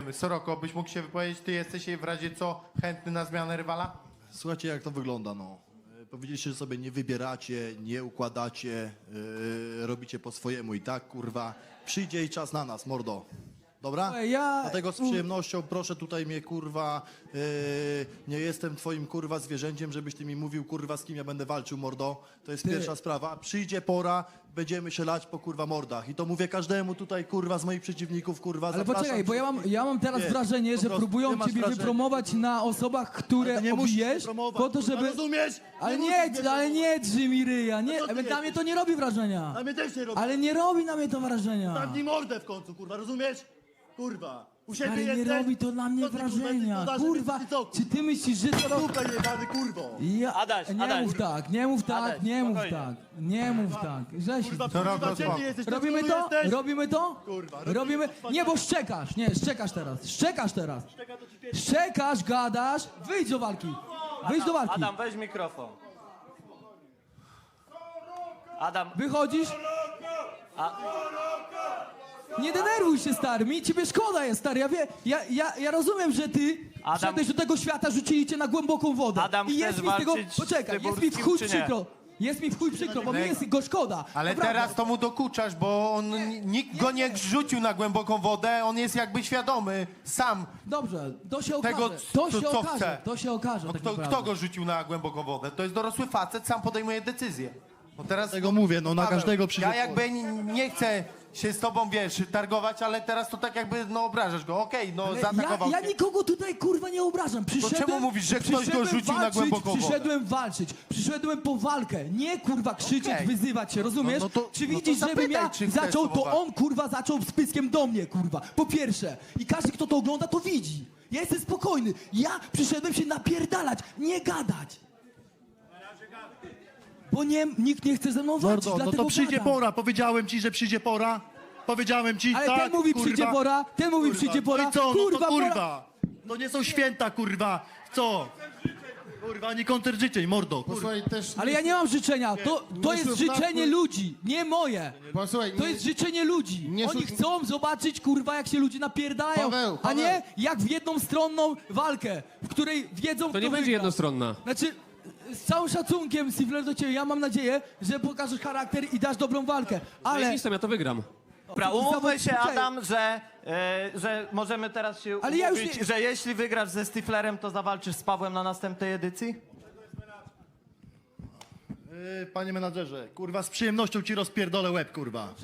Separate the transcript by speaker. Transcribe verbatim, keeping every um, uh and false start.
Speaker 1: Dziękujemy. Soroko, byś mógł się wypowiedzieć, ty jesteś w razie co chętny na zmianę rywala?
Speaker 2: Słuchajcie, jak to wygląda, no. E, Powiedzieliście, że sobie nie wybieracie, nie układacie, e, robicie po swojemu i tak, kurwa. Przyjdzie i czas na nas, mordo. Dobra?
Speaker 3: Słuchaj, ja-
Speaker 2: Dlatego z przyjemnością proszę tutaj mnie, kurwa, e, nie jestem twoim, kurwa, zwierzęciem, żebyś ty mi mówił, kurwa, z kim ja będę walczył, mordo. To jest
Speaker 3: Ty-
Speaker 2: pierwsza sprawa. Przyjdzie pora, będziemy się lać po, kurwa, mordach. I to mówię każdemu tutaj, kurwa, z moich przeciwników, kurwa,
Speaker 3: Ale
Speaker 2: zapraszam
Speaker 3: poczekaj, bo ja mam, ja mam teraz
Speaker 2: Nie,
Speaker 3: wrażenie,
Speaker 2: po
Speaker 3: że
Speaker 2: prostu
Speaker 3: próbują
Speaker 2: nie masz
Speaker 3: ciebie
Speaker 2: wrażenia.
Speaker 3: wypromować na osobach, które
Speaker 2: Ale nie musisz
Speaker 3: obijesz,
Speaker 2: mnie promować,
Speaker 3: po to,
Speaker 2: kurwa,
Speaker 3: żeby...
Speaker 2: rozumiesz?
Speaker 3: Ale
Speaker 2: Nie
Speaker 3: nie,
Speaker 2: musisz mnie
Speaker 3: ale nie drży mi ryja, nie,
Speaker 2: No co ty
Speaker 3: na mnie
Speaker 2: jesteś?
Speaker 3: to nie robi wrażenia.
Speaker 2: Na mnie też nie robi.
Speaker 3: Ale nie robi na mnie to wrażenia.
Speaker 2: Zamknij mordę w końcu, kurwa, rozumiesz? Kurwa. U siebie
Speaker 3: Ale nie
Speaker 2: jesteś?
Speaker 3: robi to na mnie
Speaker 2: Co ty, kurwa,
Speaker 3: wrażenia.
Speaker 2: jesteś
Speaker 3: Kurwa,
Speaker 2: podaży, co,
Speaker 3: czy ty myślisz, że to robi...
Speaker 2: Kurwa jebany, kurwo.
Speaker 3: Ja...
Speaker 4: Adaś,
Speaker 3: nie
Speaker 4: Adaś.
Speaker 3: mów tak, nie mów tak,
Speaker 4: Adaś,
Speaker 3: nie mów
Speaker 4: spokojnie.
Speaker 3: tak, nie mów tak. Żeś...
Speaker 2: Kurwa,
Speaker 1: Soroko,
Speaker 2: kurwa, gdzie
Speaker 1: spoko.
Speaker 2: ty jesteś? Ty
Speaker 3: Robimy
Speaker 2: tu
Speaker 3: to?
Speaker 2: jesteś?
Speaker 3: Robimy to?
Speaker 2: Kurwa, robimy
Speaker 3: Robimy...
Speaker 2: to.
Speaker 3: Nie, bo szczekasz, nie, szczekasz teraz, szczekasz teraz. Szczekasz, gadasz, wyjdź do walki. Wyjdź do walki.
Speaker 4: Adam, weź mikrofon. Adam,
Speaker 3: Wychodzisz? Nie denerwuj się, stary, mi ciebie szkoda jest, stary, ja wie, ja, ja, ja rozumiem, że ty
Speaker 4: Adam-
Speaker 3: wszedłeś do tego świata, rzucili cię na głęboką wodę.
Speaker 4: Adam,
Speaker 3: I jest
Speaker 4: chcesz
Speaker 3: mi z tego,
Speaker 4: walczyć z
Speaker 3: poczekaj, jest mi w
Speaker 4: Tyburskim,
Speaker 3: chuj
Speaker 4: czy nie?
Speaker 3: przykro, jest mi w chuj przykro, bo mi jest go szkoda.
Speaker 1: Ale
Speaker 3: Naprawdę.
Speaker 1: teraz to mu dokuczasz, bo on, nikt go nie rzucił na głęboką wodę, on jest jakby świadomy sam.
Speaker 3: Dobrze, to się okaże,
Speaker 1: Tego,
Speaker 3: to
Speaker 1: co-
Speaker 3: się
Speaker 1: co
Speaker 3: okaże,
Speaker 1: chce.
Speaker 3: to się okaże
Speaker 1: No
Speaker 3: tak
Speaker 1: kto,
Speaker 3: naprawdę.
Speaker 1: kto go rzucił na głęboką wodę? To jest dorosły facet, sam podejmuje decyzję. No teraz,
Speaker 2: Tego mówię, no na
Speaker 1: Paweł,
Speaker 2: każdego przyjdzie
Speaker 1: Ja jakby n- nie chcę się z tobą, wiesz, targować, ale teraz to tak jakby, no obrażasz go. Okej, no
Speaker 3: Ale
Speaker 1: zaatakował
Speaker 3: ja, ja
Speaker 1: cię.
Speaker 3: nikogo tutaj kurwa nie obrażam. Przyszedłem,
Speaker 1: czemu mówisz, że ktoś go
Speaker 3: przyszedłem
Speaker 1: rzucił na
Speaker 3: walczyć,
Speaker 1: głęboką wodę?
Speaker 3: Przyszedłem walczyć, przyszedłem po walkę, nie kurwa krzyczeć,
Speaker 1: Okej.
Speaker 3: wyzywać się, rozumiesz?
Speaker 1: No- no to-
Speaker 3: czy
Speaker 1: no to
Speaker 3: widzisz, żebym
Speaker 1: zapytaj,
Speaker 3: ja
Speaker 1: czy chcesz
Speaker 3: zaczął,
Speaker 1: z
Speaker 3: to
Speaker 1: tobą
Speaker 3: on kurwa zaczął z pyskiem do mnie kurwa, po pierwsze. I każdy kto to ogląda to widzi. Ja jestem spokojny, ja przyszedłem się napierdalać, nie gadać. Bo nie, nikt nie chce ze mną walczyć,
Speaker 2: Mordo, no
Speaker 3: dlatego
Speaker 2: to przyjdzie
Speaker 3: gadam.
Speaker 2: pora. Powiedziałem ci, że przyjdzie pora. Powiedziałem ci,
Speaker 3: Ale
Speaker 2: tak,
Speaker 3: ten mówi
Speaker 2: kurwa.
Speaker 3: przyjdzie pora, ten mówi
Speaker 2: Kurwa.
Speaker 3: przyjdzie pora,
Speaker 2: No i co? No
Speaker 3: kurwa,
Speaker 2: to
Speaker 3: pora.
Speaker 2: kurwa. To nie są święta, kurwa. Co? Kurwa, ani koncert życzeń, mordo. Kurwa.
Speaker 5: Posłuchaj, też...
Speaker 3: Ale ja nie mam życzenia, to, to jest
Speaker 5: słów
Speaker 3: życzenie
Speaker 5: na-
Speaker 3: ludzi, nie moje.
Speaker 5: Posłuchaj,
Speaker 3: To
Speaker 5: nie-
Speaker 3: jest życzenie ludzi.
Speaker 5: nie
Speaker 3: Oni
Speaker 5: szu-
Speaker 3: chcą zobaczyć, kurwa, jak się ludzie napierdają,
Speaker 5: Paweł,
Speaker 3: a
Speaker 5: Paweł.
Speaker 3: nie jak w jedną walkę, w której wiedzą,
Speaker 6: To
Speaker 3: kto
Speaker 6: nie będzie
Speaker 3: wygra.
Speaker 6: jednostronna.
Speaker 3: Znaczy, z całym szacunkiem, Sifler, do ciebie, ja mam nadzieję, że pokażesz charakter i dasz dobrą walkę, ale...
Speaker 6: Ale ja to wygram.
Speaker 4: dobra, umówmy się,
Speaker 3: Poczekaj.
Speaker 4: Adam, że, e, że możemy teraz się
Speaker 3: Ale ja już
Speaker 4: umówić,
Speaker 3: nie-
Speaker 4: że jeśli wygrasz ze Stiflerem, to zawalczysz z Pawłem na następnej edycji?
Speaker 2: Yy, panie menadżerze, kurwa, z przyjemnością ci rozpierdolę łeb, kurwa.